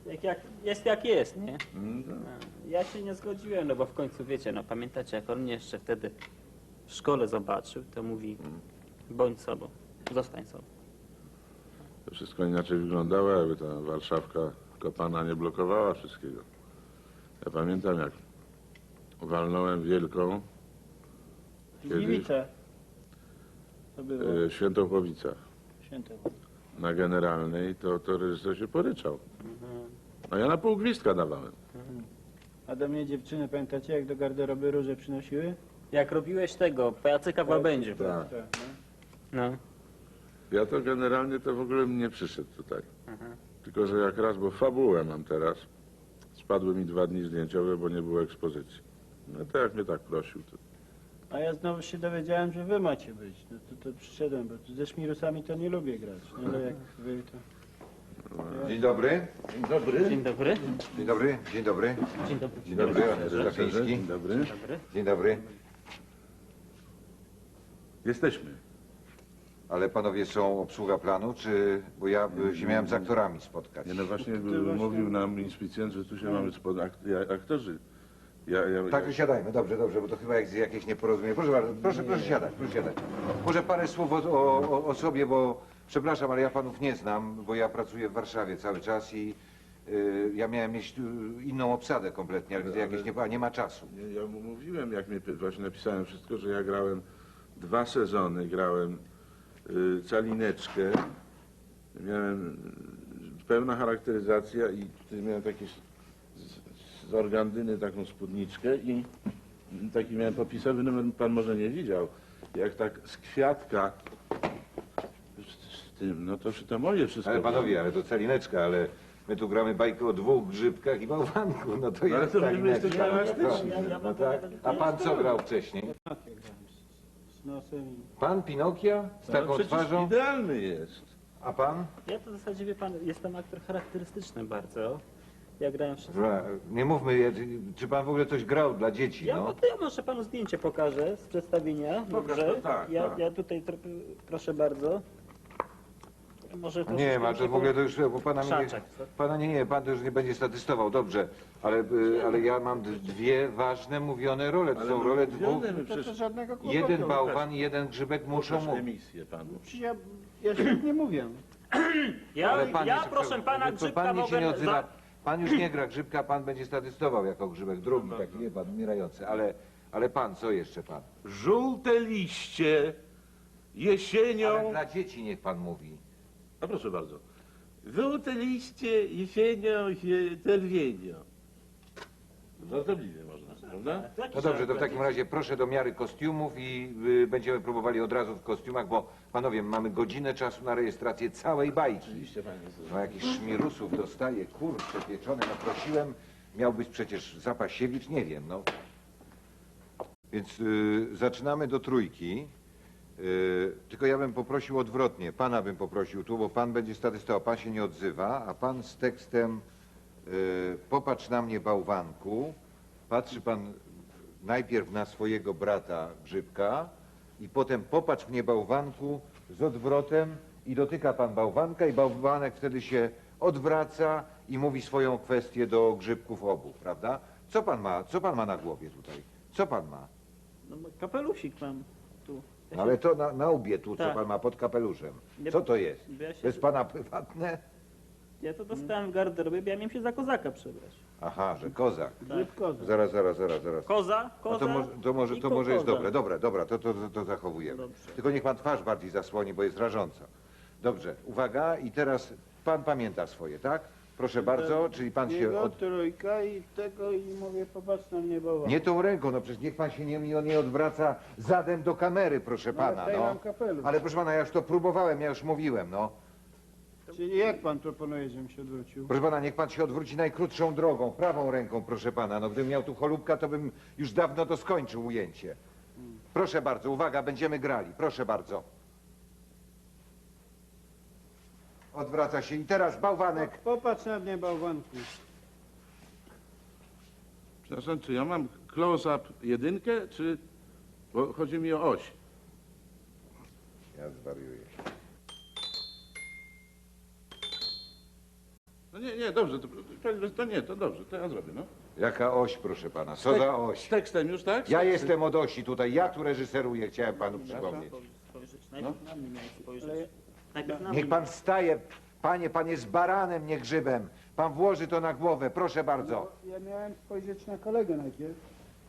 Jest jak jest, nie? No, Ja się nie zgodziłem, no bo w końcu wiecie, no pamiętacie, jak on mnie jeszcze wtedy w szkole zobaczył, to mówi, bądź sobą, zostań sobą. to wszystko inaczej wyglądało, jakby ta Warszawka kopana nie blokowała wszystkiego. Ja pamiętam, jak walnąłem wielką Gliwice. To było w Świętochłowicach święte. na Generalnej, to reżyser się poryczał. A ja na pół gwizdka dawałem. A do mnie dziewczyny, pamiętacie, jak do garderoby róże przynosiły? Jak robiłeś tego, pajacyka w Łabędziu. Tak. No. Ja to generalnie to w ogóle nie przyszedł tutaj. Tylko, że jak raz, bo fabułę mam teraz, spadły mi 2 dni zdjęciowe, bo nie było ekspozycji. No to jak mnie tak prosił, to... A ja znowu się dowiedziałem, że wy macie być. No to przyszedłem, bo ze szmirusami to nie lubię grać. No ale jak wy to... Dzień dobry. Dzień dobry. Dzień dobry. Dzień dobry. Dzień dobry. Dzień dobry. Dzień dobry. Zapiński. Dzień dobry. Dobry. Dzień dobry. Jesteśmy. Ale panowie są obsługa planu, czy... Bo ja się miałem z aktorami spotkać. Nie, no właśnie mówił nam inspicjent, że tu się mamy aktorzy. Tak, siadajmy. Dobrze, dobrze, bo to chyba jakieś nieporozumienie. Proszę bardzo, proszę siadać, proszę siadać. Może parę słów o sobie, bo przepraszam, ale ja panów nie znam, bo ja pracuję w Warszawie cały czas i ja miałem mieć inną obsadę kompletnie, ale widzę jakieś nie ma czasu. Ja mu mówiłem, jak mnie właśnie napisałem wszystko, że ja grałem 2 sezony, grałem Calineczkę, miałem pełna charakteryzacja i tutaj miałem takie z organdyny taką spódniczkę i taki miałem popisowy numer, pan może nie widział, jak tak z kwiatka z tym, no to moje wszystko. Ale panowie, ale to Calineczka, ale my tu gramy bajkę o 2 grzybkach i bałwanku, no to Ale jest to tak wy jesteście inaczej. elastyczni. No tak. A pan co grał wcześniej? Z nosem i... Pan Pinokia z No taką przecież twarzą? idealny jest. A pan? Ja to w zasadzie, wie pan, jestem aktor charakterystyczny bardzo. Ja grałem wszystko. Dobra, nie mówmy, czy pan w ogóle coś grał dla dzieci, Ja, no? to ja może panu zdjęcie pokażę z przedstawienia. Pokaż Dobrze? to, tak, ja, tak. ja tutaj, proszę bardzo. Może Nie, troszeczkę ma to w ogóle to już, bo pana Krzaczek, co? pana nie, pan to już nie będzie statystował, dobrze, ale ja mam 2 ważne mówione role, to są role 2. To żadnego kłopotu. Jeden bałwan i 1 grzybek muszą Muszą mówić. emisję panu. Przecież ja się nie mówię. Ja, pan ja jest- proszę pana, to grzybka pan się nie mogę... odzywa. Pan już nie gra grzybka, pan będzie statystował jako grzybek drugi, taki wie pan, umierający, ale pan, co jeszcze pan? Żółte liście jesienią... Ale dla dzieci niech pan mówi. A proszę bardzo. Żółte liście jesienią się czerwienią. Żartobliwie można, prawda? No dobrze, to w takim razie proszę do miary kostiumów i będziemy próbowali od razu w kostiumach, bo panowie, mamy godzinę czasu na rejestrację całej bajki. Oczywiście panie. No jakichś szmirusów dostaję, kurczę pieczone, no prosiłem, miał być przecież Zapasiewicz, nie wiem, no. Więc zaczynamy do 3. Tylko ja bym poprosił odwrotnie, pana bym poprosił tu, bo pan będzie statystował, pan się nie odzywa, a pan z tekstem popatrz na mnie bałwanku, patrzy pan najpierw na swojego brata Grzybka i potem popatrz mnie bałwanku z odwrotem i dotyka pan bałwanka i bałwanek wtedy się odwraca i mówi swoją kwestię do Grzybków obu, prawda? Co pan ma na głowie tutaj? Co pan ma? No, kapelusik mam tu. Ja No, ale to na łbie tu, co Tak. pan ma pod kapeluszem. Nie- Co to jest? Ja, się, To jest pana prywatne? ja to dostałem w garderobie, bo ja miałem się za kozaka przebrać. Aha, że kozak. Grzyb koza. Zaraz. Koza, A koza to może, i to może jest koza. dobre, dobra, to zachowujemy. Dobrze. Tylko niech pan twarz bardziej zasłoni, bo jest rażąca. Dobrze, uwaga i teraz pan pamięta swoje, tak? Proszę bardzo, czyli pan się... Jego, 3 i tego i mówię, popatrz na mnie bałwan. Nie tą ręką, no przecież niech pan się nie odwraca zadem do kamery, proszę No, ale pana, tutaj no. mam kapelusz. Ale proszę pana, ja już to próbowałem, ja już mówiłem, no. Czyli jak pan proponuje, żebym się odwrócił? Proszę pana, niech pan się odwróci najkrótszą drogą, prawą ręką, proszę pana. No gdybym miał tu cholubka, to bym już dawno to skończył ujęcie. Proszę bardzo, uwaga, będziemy grali, proszę bardzo. Odwraca się i teraz bałwanek. Popatrz na mnie bałwanku. Przepraszam, czy ja mam close-up 1, czy... Bo chodzi mi o oś. Ja zwariuję. No nie, dobrze, to dobrze, to ja zrobię, no. Jaka oś, proszę pana? Co za Z oś? tekstem już, tak? Ja jestem od osi tutaj, ja tu reżyseruję, chciałem panu przypomnieć. Spojrzeć. Najpierw na mnie miałeś spojrzeć. Najpierw na Niech mnie. pan wstaje, panie, pan jest baranem, nie grzybem. Pan włoży to na głowę, proszę bardzo. Ja miałem spojrzeć na kolegę najpierw.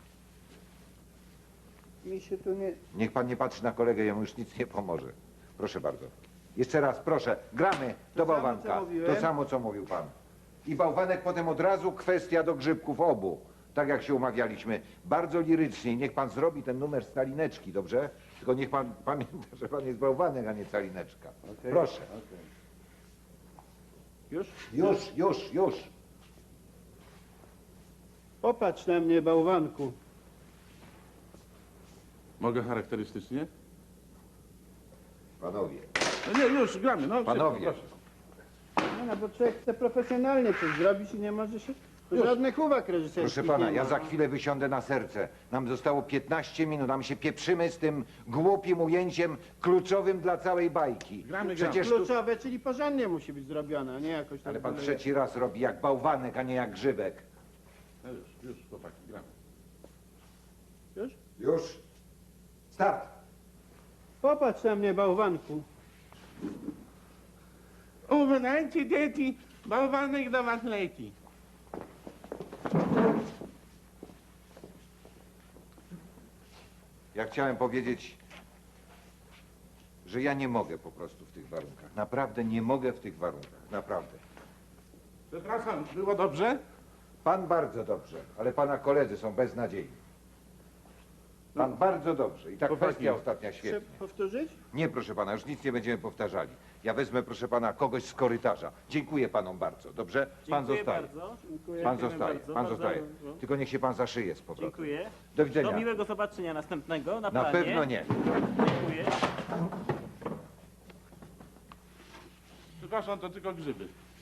Mi się tu nie... Niech pan nie patrzy na kolegę, jemu już nic nie pomoże. Proszę bardzo. Jeszcze raz, proszę, gramy do samo, bałwanka. co mówiłem. To samo, co mówił pan. I bałwanek potem od razu kwestia do grzybków obu. Tak jak się umawialiśmy. Bardzo lirycznie. Niech pan zrobi ten numer z Calineczki, dobrze? Tylko niech pan pamięta, że pan jest bałwanek, a nie Calineczka. Proszę. Już? Już. Popatrz na mnie, bałwanku. Mogę charakterystycznie? Panowie. No nie, już, gramy, no. Panowie. Proszę. No, bo człowiek chce profesjonalnie coś zrobić i nie może się... Żadnych uwag reżyserskich Proszę pana, nie ja ma. za chwilę wysiądę na serce. Nam zostało 15 minut, nam się pieprzymy z tym głupim ujęciem kluczowym dla całej bajki. Gramy. Przecież tu... Kluczowe, czyli porządnie musi być zrobione, a nie jakoś tak... Ale pan byle- trzeci raz robi jak bałwanek, a nie jak grzybek. No już, chłopaki, gramy. Już? Już. Start. Popatrz na mnie, bałwanku. Uważajcie, dzieci, bałwanek do was leci. Ja chciałem powiedzieć, że ja nie mogę po prostu w tych warunkach. Naprawdę nie mogę w tych warunkach. Naprawdę. Przepraszam, było dobrze? Pan bardzo dobrze, ale pana koledzy są beznadziejni. Pan bardzo dobrze. I ta Chłopaki. kwestia ostatnia Chcę świetnie. powtórzyć? Nie, proszę pana, już nic nie będziemy powtarzali. Ja wezmę, proszę pana, kogoś z korytarza. Dziękuję panom bardzo, dobrze? Pan Dziękuję zostaje. bardzo. Dziękuję. Pan Dziękujemy zostaje, bardzo, pan bardzo zostaje. dobrze. Tylko niech się pan zaszyje z powrotem. Dziękuję. Do widzenia. Do miłego zobaczenia następnego na Na planie. pewno nie. Dziękuję. Przepraszam, to tylko grzyby.